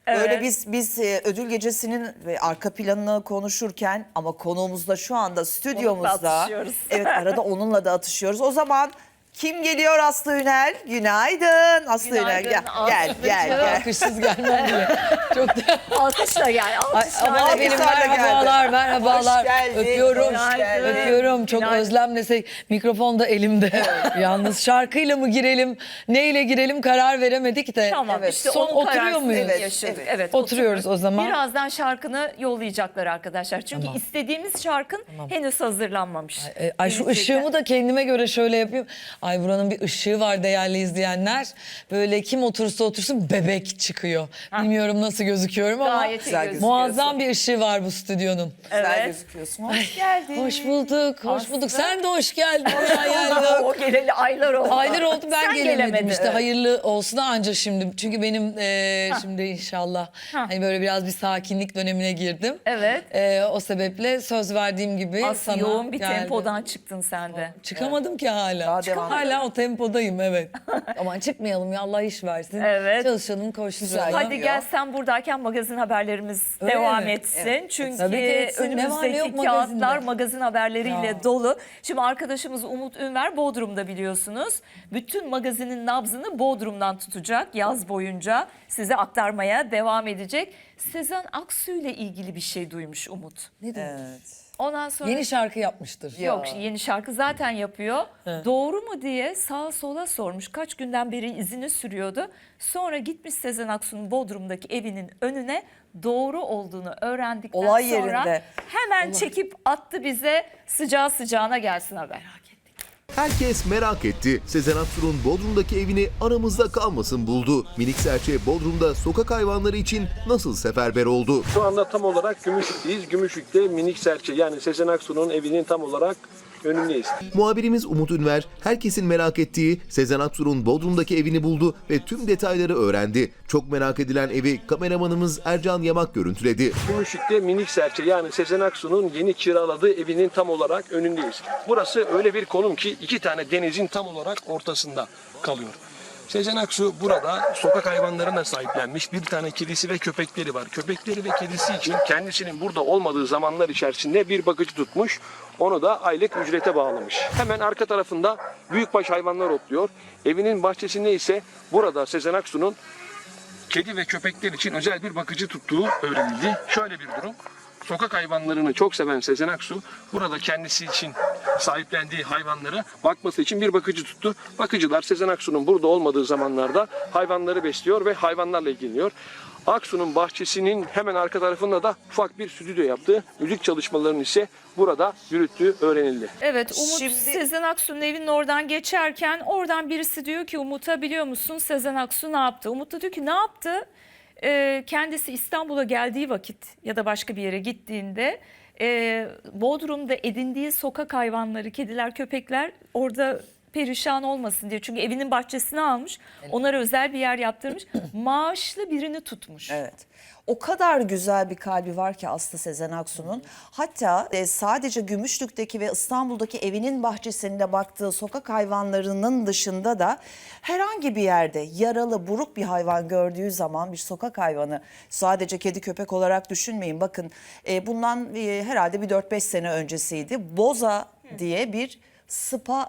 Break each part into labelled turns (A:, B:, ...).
A: Böyle biz ödül gecesinin arka planını konuşurken ama konuğumuz da şu anda stüdyomuzda.
B: atışıyoruz.
A: Evet, arada onunla da atışıyoruz. O zaman kim geliyor? Aslı Ünel. Günaydın. Aslı Ünel
B: Günaydın,
A: gel. Gel.
C: Alkışsız gelmem diye. Çok da...
B: Alkışla gel. Alkışla.
C: Ama
A: Alkışlarla
C: benim
A: geldi.
C: merhabalar.
A: Hoş geldin,
C: Öpüyorum.
A: hoş geldin.
C: Öpüyorum. Çok
B: Günaydın.
C: özlemle mikrofon da elimde. Yalnız şarkıyla mı girelim, neyle girelim karar veremedik de.
B: Tamam
A: Evet.
B: işte
C: Son
B: onun
C: oturuyor
B: kararsız
C: muyuz?
B: yaşadık.
A: Evet.
B: Evet,
C: Oturuyoruz o zaman.
B: Birazdan şarkını yollayacaklar arkadaşlar. Çünkü
C: Tamam.
B: istediğimiz şarkın henüz hazırlanmamış.
C: Ay şu
B: Gelecekler.
C: ışığımı da kendime göre şöyle yapayım. Ay buranın bir ışığı var değerli izleyenler. Böyle kim oturursa otursun bebek çıkıyor. Bilmiyorum nasıl gözüküyorum ama
B: Gayet iyi
A: güzel
B: gözüküyorsun.
C: muazzam bir ışığı var bu stüdyonun.
A: Güzel
B: Evet.
A: gözüküyorsun. Hoş geldin.
C: Hoş bulduk, hoş bulduk. Sen de hoş geldin.
B: O geleli aylar oldu.
C: Aylar oldu ben
B: Sen
C: gelemedim
B: gelemedin,
C: işte.
B: evet.
C: Hayırlı olsun anca şimdi. Çünkü benim şimdi inşallah hani böyle biraz bir sakinlik dönemine girdim.
B: Evet.
C: O sebeple söz verdiğim gibi
B: Aslında
C: sana
B: yoğun bir
C: geldim.
B: tempodan çıktın sen de.
C: Çıkamadım ki hala.
A: Daha devam
C: Hala o tempodayım evet. Aman çıkmayalım ya Allah iş versin.
B: Evet.
C: Çalışalım koşturalım.
A: Güzel.
B: Hadi gel sen buradayken magazin haberlerimiz
C: Öyle
B: devam
C: mi?
B: etsin.
A: Evet.
B: Çünkü
C: Tabii ki etsin. Ne var ne yok
B: önümüzdeki kağıtlar
C: magazinde?
B: magazin haberleriyle
C: Ya.
B: dolu. Şimdi arkadaşımız Umut Ünver Bodrum'da biliyorsunuz. Bütün magazinin nabzını Bodrum'dan tutacak yaz boyunca. Size aktarmaya devam edecek. Sezen Aksu ile ilgili bir şey duymuş Umut.
C: Ne diyor?
A: Evet.
B: Ondan sonra...
C: Yeni şarkı yapmıştır.
B: Yok yeni şarkı zaten yapıyor. Doğru mu diye sağa sola sormuş. Kaç günden beri izini sürüyordu. Sonra gitmiş Sezen Aksu'nun Bodrum'daki evinin önüne doğru olduğunu öğrendikten
A: Olay
B: sonra
A: yerinde.
B: hemen çekip attı bize sıcağı sıcağına gelsin haber.
D: Herkes merak etti. Sezen Aksu'nun Bodrum'daki evini aramızda kalmasın buldu. Minik serçe Bodrum'da sokak hayvanları için nasıl seferber oldu?
E: Şu anda tam olarak Gümüşlük'teyiz. Gümüşlük'te minik serçe yani Sezen Aksu'nun evinin tam olarak önündeyiz.
D: Muhabirimiz Umut Ünver, herkesin merak ettiği Sezen Aksu'nun Bodrum'daki evini buldu ve tüm detayları öğrendi. Çok merak edilen evi kameramanımız Ercan Yamak görüntüledi.
E: Gümüşlük'te minik serçe yani Sezen Aksu'nun yeni kiraladığı evinin tam olarak önündeyiz. Burası öyle bir konum ki iki tane denizin tam olarak ortasında kalıyor. Sezen Aksu burada sokak hayvanlarına sahiplenmiş. Bir tane kedisi ve köpekleri var. Köpekleri ve kedisi için kendisinin burada olmadığı zamanlar içerisinde bir bakıcı tutmuş. Onu da aylık ücrete bağlamış. Hemen arka tarafında büyükbaş hayvanlar otluyor. Evinin bahçesinde ise burada Sezen Aksu'nun kedi ve köpekler için özel bir bakıcı tuttuğu öğrenildi. Şöyle bir durum. Sokak hayvanlarını çok seven Sezen Aksu burada kendisi için sahiplendiği hayvanlara bakması için bir bakıcı tuttu. Bakıcılar Sezen Aksu'nun burada olmadığı zamanlarda hayvanları besliyor ve hayvanlarla ilgileniyor. Aksu'nun bahçesinin hemen arka tarafında da ufak bir stüdyo yaptı. Müzik çalışmalarını ise burada yürüttüğü öğrenildi.
B: Evet Umut
A: Şimdi-
B: Sezen Aksu'nun evinin oradan geçerken oradan birisi diyor ki Umut'a biliyor musun Sezen Aksu ne yaptı? Umut da diyor ki ne yaptı? Kendisi İstanbul'a geldiği vakit ya da başka bir yere gittiğinde Bodrum'da edindiği sokak hayvanları, kediler, köpekler orada perişan olmasın diye. Çünkü evinin bahçesine almış, onlara özel bir yer yaptırmış, maaşlı birini tutmuş.
A: Evet. O kadar güzel bir kalbi var ki Aslı Sezen Aksu'nun. Hatta sadece Gümüşlük'teki ve İstanbul'daki evinin bahçesinde baktığı sokak hayvanlarının dışında da herhangi bir yerde yaralı, buruk bir hayvan gördüğü zaman bir sokak hayvanı sadece kedi köpek olarak düşünmeyin. Bakın bundan herhalde bir 4-5 sene öncesiydi. Boza diye bir spa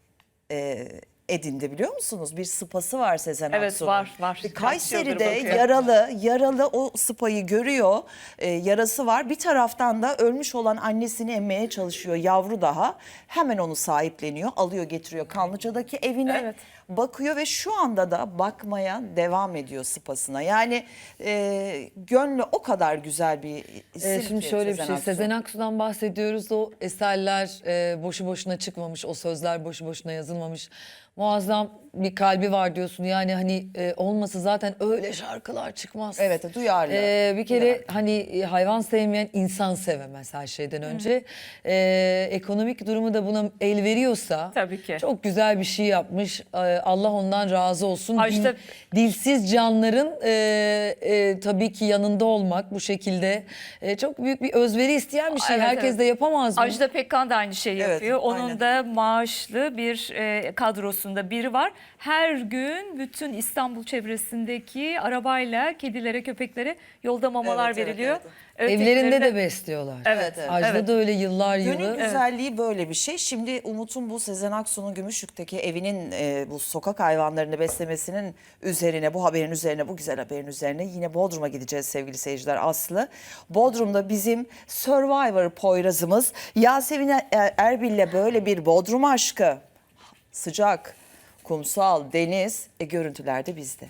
A: edindi biliyor musunuz? Bir spası var Sezen
B: Evet,
A: Aksu'nun.
B: var.
A: Kayseri'de
B: Kaç yıldır bakıyorum.
A: yaralı o spayı görüyor. Yarası var. Bir taraftan da ölmüş olan annesini emmeye çalışıyor. Yavru daha. Hemen onu sahipleniyor. Alıyor getiriyor Kanlıca'daki evine.
B: Evet.
A: Bakıyor ve şu anda da bakmaya devam ediyor spasına. Yani gönlü o kadar güzel bir isim
C: Şimdi
A: ki
C: şöyle bir şey,
A: Aksu.
C: Sezen Aksu'dan bahsediyoruz. O eserler boşu boşuna çıkmamış, o sözler boşu boşuna yazılmamış. Muazzam bir kalbi var diyorsun. Yani hani olmasa zaten öyle şarkılar çıkmaz.
A: Evet, duyarlı.
C: Bir kere
A: Duyarlı.
C: hani hayvan sevmeyen insan sevemez her şeyden önce. Ekonomik durumu da buna el veriyorsa
B: Tabii ki.
C: çok güzel bir şey yapmış. Allah ondan razı olsun.
B: Ajda-
C: Dilsiz canların tabii ki yanında olmak bu şekilde çok büyük bir özveri isteyen bir şey.
B: Evet,
C: Herkes
B: evet.
C: de yapamaz mı?
B: Ajda Pekkan da aynı şeyi
A: Evet,
B: yapıyor. Onun
A: aynen.
B: da maaşlı bir kadrosunda aslında biri var. Her gün bütün İstanbul çevresindeki arabayla kedilere, köpeklere yolda mamalar
A: Evet, evet,
B: veriliyor.
A: evet.
C: Evlerinde
B: Ötekileri
C: de besliyorlar.
B: Evet,
A: evet.
C: Ajda
B: evet.
C: da öyle yıllar
A: Gönül
C: yılı.
A: güzelliği böyle bir şey. Şimdi Umut'un bu Sezen Aksu'nun Gümüşlük'teki evinin bu sokak hayvanlarını beslemesinin üzerine, bu haberin üzerine, bu güzel haberin üzerine yine Bodrum'a gideceğiz sevgili seyirciler Aslı. Bodrum'da bizim Survivor Poyraz'ımız Yasemin Erbil'le böyle bir Bodrum aşkı. Sıcak, kumsal, deniz, görüntüler de bizde.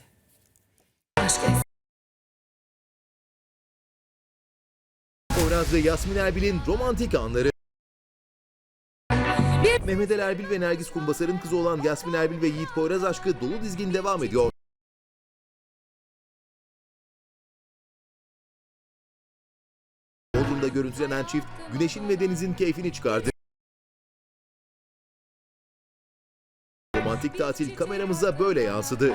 D: Poyraz ve Yasmin Erbil'in romantik anları. Mehmet Ali Erbil ve Nergis Kumbasar'ın kızı olan Yasmin Erbil ve Yiğit Poyraz aşkı dolu dizgin devam ediyor. Bodrum'da görüntülenen çift güneşin ve denizin keyfini çıkardı. Romantik tatil kameramıza böyle yansıdı.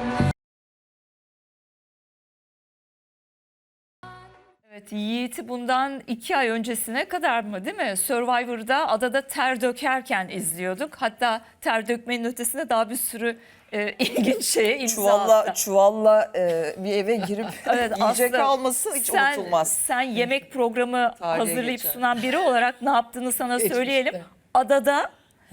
B: Evet, Yiğit'i bundan 2 ay öncesine kadar mı değil mi? Survivor'da adada ter dökerken izliyorduk. Hatta ter dökmenin ötesinde daha bir sürü ilginç şeye imza attı.
A: Çuvalla bir eve girip
B: Evet,
A: yiyecek
B: Aslı,
A: alması hiç unutulmaz.
B: Sen yemek programı
A: Tarihe
B: hazırlayıp
A: geçer.
B: sunan biri olarak ne yaptığını sana
C: Geçmişte.
B: söyleyelim. Adada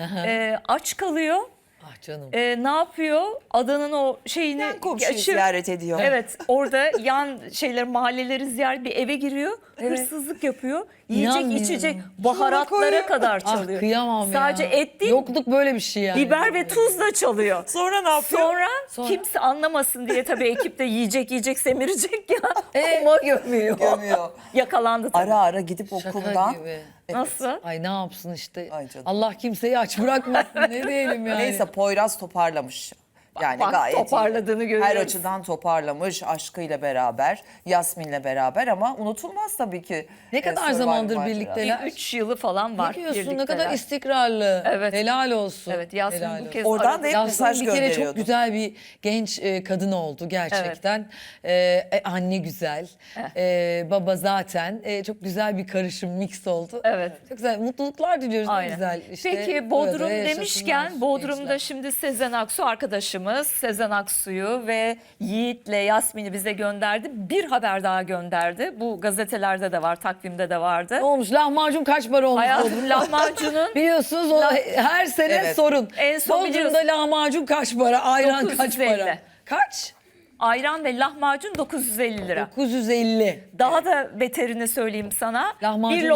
B: aç kalıyor.
C: Ah canım.
B: Ne yapıyor? Adanın o şeyini
A: Yan komşuyu
B: geçir-
A: ziyaret ediyor.
B: Evet, orada yan mahalleleri ziyaret, bir eve giriyor, hırsızlık yapıyor. Yiyecek,
C: İnanmıyorum.
B: içecek,
A: koyuyor.
B: baharatlara kadar
C: Ah
B: çalıyor.
C: kıyamam ya.
B: Sadece et değil,
C: Yokluk böyle bir şey yani.
B: biber ve tuzla çalıyor.
A: Sonra ne yapıyor?
B: Sonra kimse anlamasın diye tabii ekip de yiyecek semirecek ya. Ama gömüyor.
A: Gömüyor.
B: Yakalandı tabii.
A: Ara ara gidip
C: Şaka
A: okuldan.
C: gibi.
B: Nasıl?
C: Ay ne yapsın işte.
A: Ay canım.
C: Allah kimseyi aç bırakmasın ne diyelim yani.
A: Neyse Poyraz toparlamış. Yani
B: bak,
A: gayet
B: toparladığını
A: iyi.
B: görüyoruz.
A: Her açıdan toparlamış aşkıyla beraber, Yasmin'le beraber ama unutulmaz tabii ki.
C: Ne kadar
A: Survivor
C: zamandır
A: macerası.
C: birlikteler?
B: 3 yılı falan var.
C: Ne diyorsun ne
B: birlikteler.
C: kadar istikrarlı.
B: Evet.
C: Helal olsun.
B: Evet, Yasmin
C: Helal
B: bu
C: olsun.
B: kez
A: Oradan
B: aradı.
A: da hep
C: Yasmin
A: mesaj
C: bir kere
A: gönderiyordu.
C: çok güzel bir genç kadın oldu gerçekten. Anne güzel, baba zaten çok güzel bir karışım mix oldu.
B: Evet.
C: Çok güzel mutluluklar diliyoruz. Ne
B: Aynen.
C: güzel. İşte
B: Peki Bodrum
C: böyle
B: demişken
C: yaşasınlar
B: Bodrum'da
C: gençler.
B: şimdi Sezen Aksu arkadaşımız Sezen Aksu'yu ve Yiğit'le Yasmin'i bize gönderdi. Bir haber daha gönderdi. Bu gazetelerde de var, takvimde de vardı.
C: Ne olmuş? Lahmacun kaç para olmuş
B: Hayatım
C: Bodrum'da?
B: lahmacunun
C: Biliyorsunuz o her sene
A: Evet.
C: sorun.
B: En son
C: Bodrum'da
B: biliyorsun.
C: lahmacun kaç para? Ayran kaç
B: 950.
C: para? Kaç?
B: ayran ve lahmacun 950 lira.
C: 950.
B: Daha da beterini söyleyeyim sana.
C: Lahmacun
B: bir
C: işine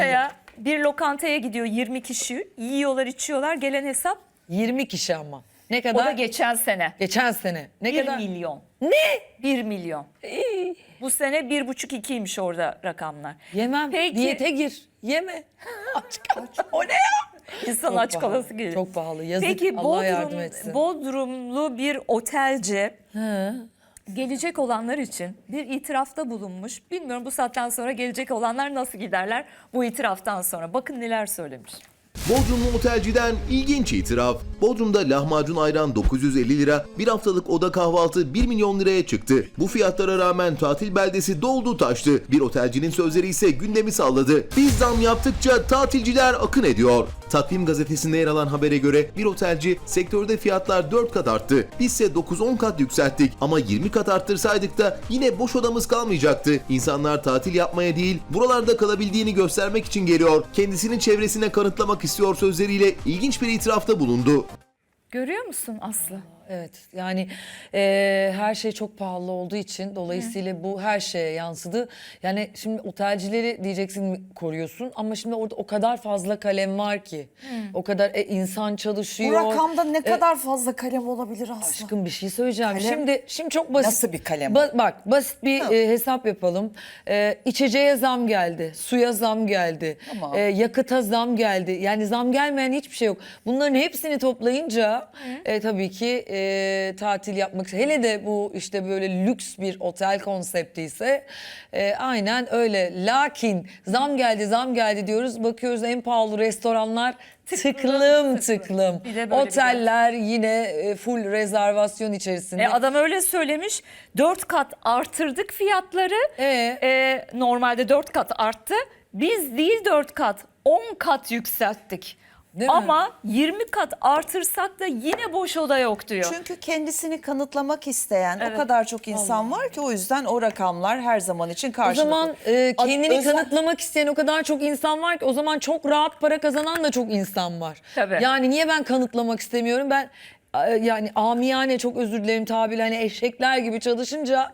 B: lokantaya gidiyor 20 kişi. Yiyorlar, içiyorlar. Gelen hesap
C: 20 kişi ama. Ne
B: o
C: kadar?
B: da geçen sene.
C: Geçen sene. Ne
B: 1
C: kadar?
B: milyon.
C: Ne?
B: 1 milyon. Bu sene 1,5-2'ymiş orada rakamlar.
C: Yemem.
B: Peki.
C: Diyete gir. Yeme. Aç kal. O ne ya?
B: İnsan
C: Çok
B: aç
C: pahalı,
B: kalası gelir.
C: çok pahalı. Yazık.
B: Peki
C: Allah yardım etsin.
B: Bodrumlu bir otelci
C: He.
B: gelecek olanlar için bir itirafta bulunmuş. Bilmiyorum bu saatten sonra gelecek olanlar nasıl giderler bu itiraftan sonra. Bakın neler söylemiş.
D: Bodrumlu otelciden ilginç itiraf. Bodrum'da lahmacun ayran 950 lira, bir haftalık oda kahvaltı 1 milyon liraya çıktı. Bu fiyatlara rağmen tatil beldesi doldu taştı. Bir otelcinin sözleri ise gündemi salladı. Biz zam yaptıkça tatilciler akın ediyor. Takvim gazetesinde yer alan habere göre bir otelci sektörde fiyatlar 4 kat arttı. Bizse 9-10 kat yükselttik ama 20 kat arttırsaydık da yine boş odamız kalmayacaktı. İnsanlar tatil yapmaya değil buralarda kalabildiğini göstermek için geliyor. Kendisinin çevresine kanıtlamak istiyor sözleriyle ilginç bir itirafta bulundu.
B: Görüyor musun Aslı?
C: Evet yani her şey çok pahalı olduğu için dolayısıyla bu her şeye yansıdı. Yani şimdi otelcileri diyeceksin koruyorsun ama şimdi orada o kadar fazla kalem var ki. O kadar insan
A: Bu
C: çalışıyor.
A: rakamda ne kadar fazla kalem olabilir aslında?
C: Aşkım bir şey söyleyeceğim.
A: Kalem-
C: Şimdi çok basit.
A: Nasıl bir kalem?
C: Bak basit bir hesap yapalım. İçeceğe zam geldi, suya zam geldi,
A: Tamam.
C: yakıta zam geldi. Yani zam gelmeyen hiçbir şey yok. Bunların hepsini toplayınca tabii ki tatil yapmak, hele de bu işte böyle lüks bir otel konsepti ise aynen öyle. Lakin zam geldi diyoruz. Bakıyoruz en pahalı restoranlar tıklım tıklım.
B: Bir de böyle bir
C: Oteller yine full rezervasyon içerisinde.
B: Adam öyle söylemiş. 4 kat artırdık fiyatları. Normalde 4 kat arttı. Biz değil 4 kat, 10 kat yükselttik.
C: Değil mi?
B: Ama 20 kat artırsak da yine boş oda yok diyor.
A: Çünkü kendisini kanıtlamak isteyen
B: Evet.
A: o kadar çok insan var ki o yüzden o rakamlar her zaman için
C: O
A: karşılıklı.
C: zaman kendini
A: Özel-
C: kanıtlamak isteyen o kadar çok insan var ki o zaman çok rahat para kazanan da çok insan var.
B: Tabii.
C: Yani niye ben kanıtlamak istemiyorum? Ben yani amiyane, çok özür dilerim tabiriyle, hani eşekler gibi çalışınca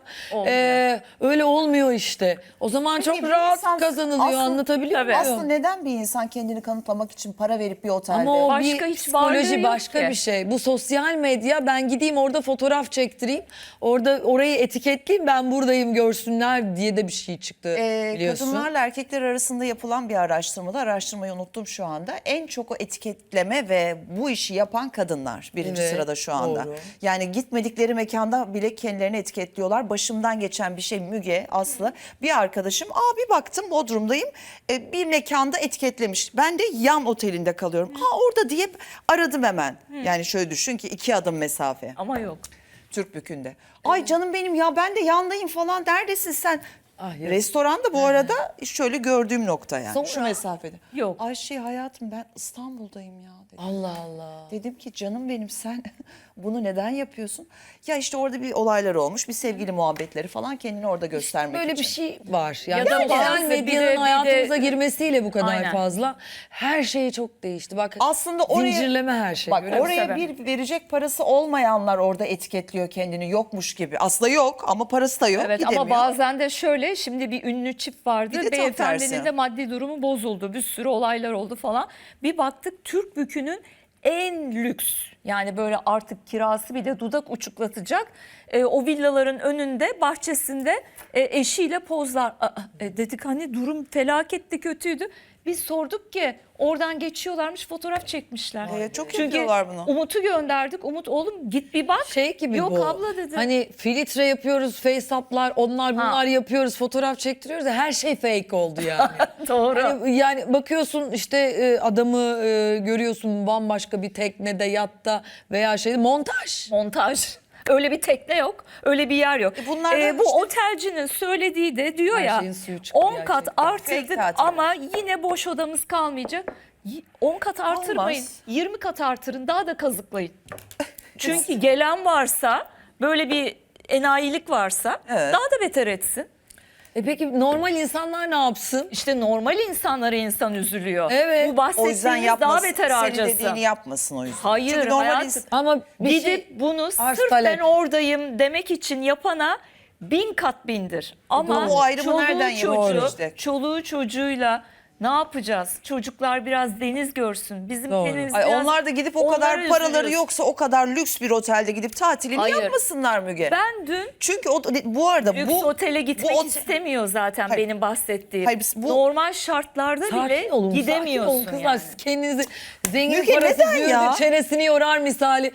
C: öyle olmuyor işte. O zaman
A: Peki
C: çok
A: bir
C: rahat
A: insan
C: kazanılıyor,
A: aslında-
C: anlatabiliyor
B: Tabii.
C: muyum?
A: Aslında neden bir insan kendini kanıtlamak için para verip bir otelde?
C: Ama o
B: Başka
C: bir
B: hiç varlığı
C: psikoloji,
B: yok
C: başka
B: ki.
C: bir şey. Bu sosyal medya, ben gideyim orada fotoğraf çektireyim, orada orayı etiketleyeyim, ben buradayım görsünler diye de bir şey çıktı biliyorsun.
A: Kadınlarla erkekler arasında yapılan bir araştırmada, araştırmayı unuttum şu anda. En çok o etiketleme ve bu işi yapan kadınlar birinci
C: Evet,
A: sırada şu anda.
C: doğru.
A: Yani gitmedikleri mekanda bile kendilerini etiketliyorlar. Başımdan geçen bir şey Müge, Aslı. Bir arkadaşım, bir baktım Bodrum'dayım, bir mekanda etiketlemiş. Ben de yan otelinde kalıyorum. Orada diye aradım hemen. Yani şöyle düşün ki 2 adım mesafe.
B: Ama yok.
A: Türkbükü'nde. Ay canım benim ya, ben de yandayım falan, neredesin sen?
C: Ah, ya.
A: Restoranda bu arada şöyle gördüğüm nokta yani.
C: Sonra-
A: Şu mesafede.
B: Yok.
A: Ayşe hayatım, ben İstanbul'dayım ya dedim.
C: Allah Allah.
A: Dedim ki canım benim, sen bunu neden yapıyorsun? Ya işte orada bir olaylar olmuş, bir sevgili muhabbetleri falan, kendini orada göstermek
C: Böyle
A: için.
C: bir şey var. Yani
B: Ya da
C: sosyal
B: bazı
C: medyanın
B: bir de-
C: hayatımıza girmesiyle bu kadar
B: Aynen.
C: fazla her şey çok değişti. Bak
A: Aslında oraya,
C: zincirleme her şey.
A: bak
C: görüyor musun?
A: oraya
B: Tabii.
A: bir verecek parası olmayanlar orada etiketliyor kendini, yokmuş gibi. Aslında yok ama parası da yok,
B: Evet,
A: gidemiyor.
B: ama bazen de şöyle, şimdi bir ünlü çift vardı.
A: Bir de tam
B: Beyefendinin
A: tersi.
B: de maddi durumu bozuldu. Bir sürü olaylar oldu falan. Bir baktık Türkbükü'nün en lüks, yani böyle artık kirası bile dudak uçuklatacak o villaların önünde, bahçesinde eşiyle pozlar. Dedik hani durum felaketti, kötüydü. Biz sorduk ki oradan geçiyorlarmış, fotoğraf çekmişler.
A: Çok
B: Çünkü
A: yapıyorlar bunu.
B: Umut'u gönderdik. Umut oğlum git bir bak.
C: Şey gibi
B: Yok
C: bu.
B: abla dedi.
C: Hani filtre yapıyoruz, face up'lar, onlar bunlar yapıyoruz, fotoğraf çektiriyoruz da her şey fake oldu yani.
B: Doğru.
C: Yani bakıyorsun işte adamı görüyorsun bambaşka bir teknede, yatta veya montaj.
B: Montaj. Öyle bir tekne yok, öyle bir yer yok.
A: bunlardan
B: Bu
A: işte-
B: otelcinin söylediği de diyor
C: Her
B: ya,
C: şeyin suyu çıkıyor
B: 10 kat
C: gerçekten.
B: artırdık
A: Fake tatil.
B: ama yine boş odamız kalmayacak. 10 kat artırmayın,
A: Olmaz.
B: 20 kat artırın, daha da kazıklayın. Çünkü gelen varsa, böyle bir enayilik varsa
A: Evet.
B: daha da beter etsin.
C: Peki normal insanlar ne yapsın?
B: İşte normal insanlara insan üzülüyor.
C: Evet.
B: Bu
A: O yüzden
B: bahsettiğimiz daha
A: yapmasın,
B: beter
A: senin
B: harcasın.
A: dediğini yapmasın o yüzden.
B: Hayır,
A: Çünkü normal
B: hayatım.
A: insan-
C: Ama bir
B: Gidip
C: şey,
B: bunu
C: arz
B: sırf
C: talep.
B: ben oradayım demek için yapana 1000 kat bindir. Ama
A: Bu ayrımı nereden yapıyoruz
B: çocuğu,
A: işte?
B: çoluğu çocuğuyla ne yapacağız? Çocuklar biraz deniz görsün. Bizim
C: Doğru.
B: deniz
A: Ay,
B: biraz...
A: onlar da gidip o
B: onları
A: kadar paraları
B: üzülüyoruz.
A: yoksa o kadar lüks bir otelde gidip tatilini
B: Hayır.
A: yapmasınlar Müge.
B: Ben dün
A: Çünkü bu arada
B: lüks
A: bu
B: otele gitmek
A: otel-
B: istemiyor zaten
A: Hayır.
B: benim bahsettiğim.
A: Hayır, biz bu-
B: Normal şartlarda bile
C: sakin olun,
B: gidemiyorsun
C: sakin olun kızlar.
B: yani.
C: Siz kendinizi zengin
A: Müge,
C: parası
A: neden
C: züğürdü,
A: ya?
C: çenesini yorar misali.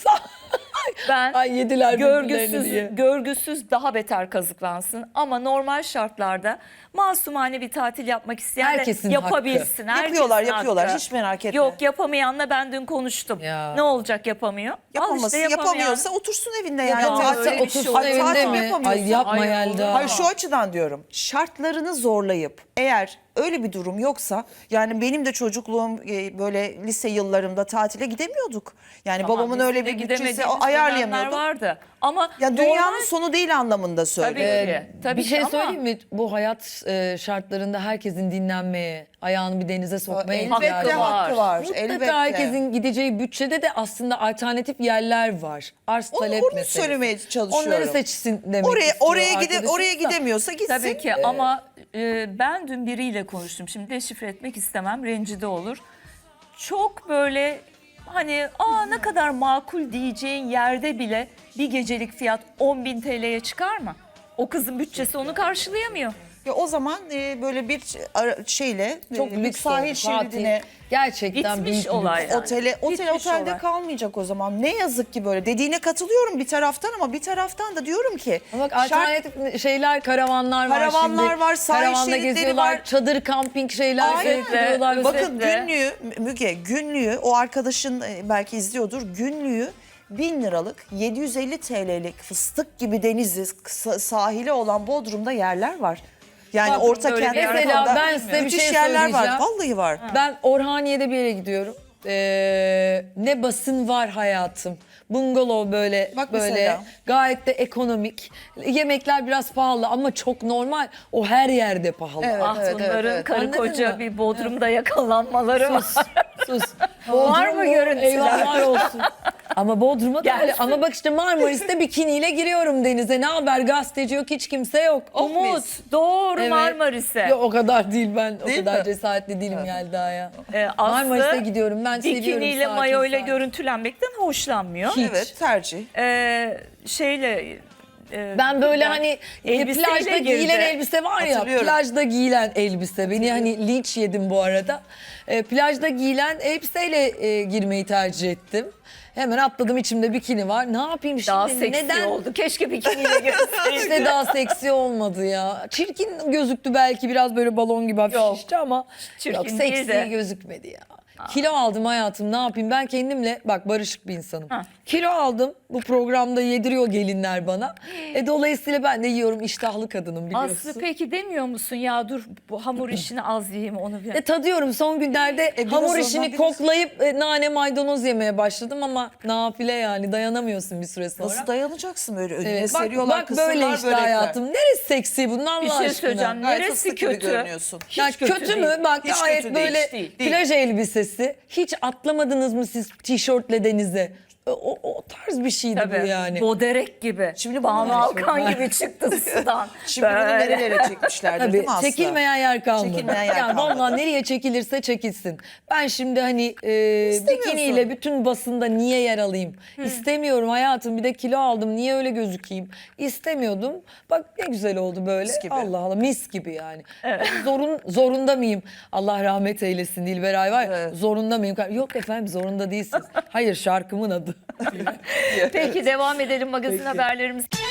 B: Ben
C: Ay, yediler birbirlerini diye.
B: görgüsüz daha beter kazıklansın. Ama normal şartlarda masumane bir tatil yapmak isteyen
C: Herkesin
B: de yapabilsin. Herkesin
A: Yapıyorlar,
B: hakkı.
A: hiç merak etme.
B: Yok, yapamayanla ben dün konuştum.
C: Ya.
B: Ne olacak yapamıyor? Al
A: Yapamasın,
B: işte yapamayan.
A: yapamıyorsa otursun evinde yani.
B: Yapamaz,
A: Tatil-
B: öyle bir şey
C: Otursun
B: olmaz.
A: Ay,
C: evinde
A: tatil
C: mi?
A: yapamıyorsun.
C: Ay yapma
B: Ay,
C: Yelda.
A: Hayır, şu açıdan diyorum. Şartlarını zorlayıp eğer öyle bir durum yoksa, yani benim de çocukluğum böyle lise yıllarımda tatile gidemiyorduk. Yani
B: Tamam,
A: babamın
B: bizim
A: öyle
B: de
A: bir bütçesi
B: gidemediğimiz
A: ayarlayamıyordu.
B: dönemler vardı. Ama
A: Ya dünyanın
B: normal-
A: sonu değil anlamında söylüyorum.
B: Tabii ki. Tabii
C: bir şey
B: ki ama-
C: söyleyeyim mi? Bu hayat şartlarında herkesin dinlenmeye, ayağını bir denize sokmaya
A: Elbette
C: ihtiyacı var.
A: hakkı var.
C: Mutlaka
A: Elbette.
C: herkesin gideceği bütçede de aslında alternatif yerler var. Arz talep
A: Onu
C: meselesi.
A: söylemeye çalışıyorum.
C: Onları seçsin demek
A: Oraya
C: istiyor
A: oraya
C: arkadaşımız da.
A: gidemiyorsa gitsin.
B: Tabii ki ama ben dün biriyle konuştum. Şimdi deşifre etmek istemem, rencide olur. Çok böyle hani ne kadar makul diyeceğin yerde bile bir gecelik fiyat 10.000 TL'ye çıkar mı? O kızın bütçesi onu karşılayamıyor.
A: Ya o zaman böyle bir şeyle
C: Çok
A: bir
C: lüks
A: sahil
C: oldu. Fatih.
A: şeridine
C: Gerçekten
B: Bitmiş
C: büyük bir
B: olay.
C: lüks.
B: Yani. Bitmiş
A: otelde
B: olay.
A: kalmayacak o zaman. Ne yazık ki böyle. Dediğine katılıyorum bir taraftan ama bir taraftan da diyorum ki
C: Ama bak
A: şart-
C: alternatif şeyler, karavanlar var
A: Karavanlar
C: şimdi.
A: var, sahil
C: Karavanda
A: şeritleri
C: geziyorlar,
A: var.
C: çadır kamping şeyler
A: Aynen.
C: seyrediyorlar.
A: Bakın
B: Özetle.
A: günlüğü Müge, günlüğü o arkadaşın belki izliyordur, günlüğü 1000 liralık 750 TL'lik fıstık gibi denizi sahili olan Bodrum'da yerler var. Yani
B: Bodrum'da
A: orta
B: öyle bir
A: kent
B: yer
C: Mesela
A: tarafında
C: ben size bir
A: müthiş
C: şey
A: yerler var.
C: söyleyeceğim.
A: Vallahi var.
C: Ben Orhaniye'de bir yere gidiyorum. Ne basın var hayatım. Bungalov böyle
A: Bak
C: böyle
A: mesela.
C: gayet de ekonomik. Yemekler biraz pahalı ama çok normal. O her yerde pahalı.
A: Evet.
B: Ah bunların karı
C: Anladın
B: koca
C: mı?
B: bir Bodrum'da yakalanmaları var.
C: Sus.
B: Var mı
C: Bodrum bu,
B: görüntüler?
C: Eyvahlar olsun. Ama Bodrum'a da öyle.
B: Gelsin.
C: Ama bak işte Marmaris'te bikiniyle giriyorum denize. Ne haber, gazeteci yok, hiç kimse yok.
B: Umut doğru
C: Evet.
B: Marmaris'e.
C: Yok o kadar değil ben.
A: Değil
C: o kadar
A: mi?
C: cesaretli değilim Yelda'ya.
B: Marmaris'e
C: Marmaris'e gidiyorum. Ben seviyorum
B: bikiniyle
C: sakin
B: mayoyla
C: sakin.
B: görüntülenmekten hoşlanmıyor.
C: Hiç.
A: Evet, tercih.
B: Şeyle
C: Ben böyle hani
B: elbiseyle
C: plajda
B: girdi.
C: giyilen elbise var ya,
A: Hatırlıyorum.
C: plajda giyilen elbise. Beni hani linç yedim bu arada. Plajda giyilen elbiseyle girmeyi tercih ettim. Hemen atladım, içimde bikini var. Ne yapayım şimdi?
B: daha seksi
C: Neden?
B: oldu. Keşke bikiniyle girseydi.
C: İşte daha seksi olmadı ya. Çirkin gözüktü belki, biraz böyle balon gibi hafif
B: Yok.
C: şişti ama
B: Çirkin
C: yok,
B: değil
C: seksi
B: de.
C: gözükmedi ya. Kilo aldım hayatım, ne yapayım, ben kendimle bak barışık bir insanım.
B: Ha.
C: Kilo aldım, bu programda yediriyor gelinler bana. Dolayısıyla ben de yiyorum, iştahlı kadınım biliyorsun.
B: Aslı peki demiyor musun ya dur bu hamur işini az yiyeyim onu bir.
C: Tadıyorum son günlerde
A: biraz
C: hamur
A: ondan
C: işini
A: biraz-
C: koklayıp nane maydanoz yemeye başladım ama nafile yani, dayanamıyorsun bir süre sonra.
A: Nasıl dayanacaksın böyle önüne
C: Evet,
A: seriyorlar
C: bak
A: kısırlar,
C: böyle işte
A: börekler.
C: hayatım. Neresi seksi bunun Allah
B: Bir şey
C: aşkına?
B: söyleyeceğim.
A: Gayet
B: Neresi
A: fıstık gibi
B: kötü?
A: görünüyorsun.
C: Ya
B: Hiç kötü
C: kötü mü?
B: değil.
C: Bak
A: Hiç
C: gayet
A: kötü değil,
C: böyle
A: değil.
C: plaj elbisesi. Hiç atlamadınız mı siz tişörtle denize? O tarz bir şeydi
B: Tabii.
C: bu yani.
B: Boderek gibi.
A: Şimdi
B: Banu
A: bunu-
B: Alkan gibi çıktı sudan.
A: Şimdi bunu
B: Böyle.
A: nerelere çekmişlerdir değil
C: Tabii
A: mi Aslı?
C: çekilmeyen yer kalmadı.
A: Çekilmeyen yer
C: Ya
A: kalmadı.
C: vallahi nereye çekilirse çekilsin. Ben şimdi hani
A: İstemiyorsun.
C: bikiniyle bütün basında niye yer alayım? İstemiyorum hayatım. Bir de kilo aldım. Niye öyle gözükeyim? İstemiyordum. Bak ne güzel oldu böyle.
A: Mis gibi.
C: Allah Allah, mis gibi yani. Zorunda mıyım? Allah rahmet eylesin Dilberay var. Ya,
A: Evet.
C: zorunda mıyım? Yok efendim, zorunda değilsiniz. Hayır, şarkımın adı.
B: Peki devam edelim magazin haberlerimiz.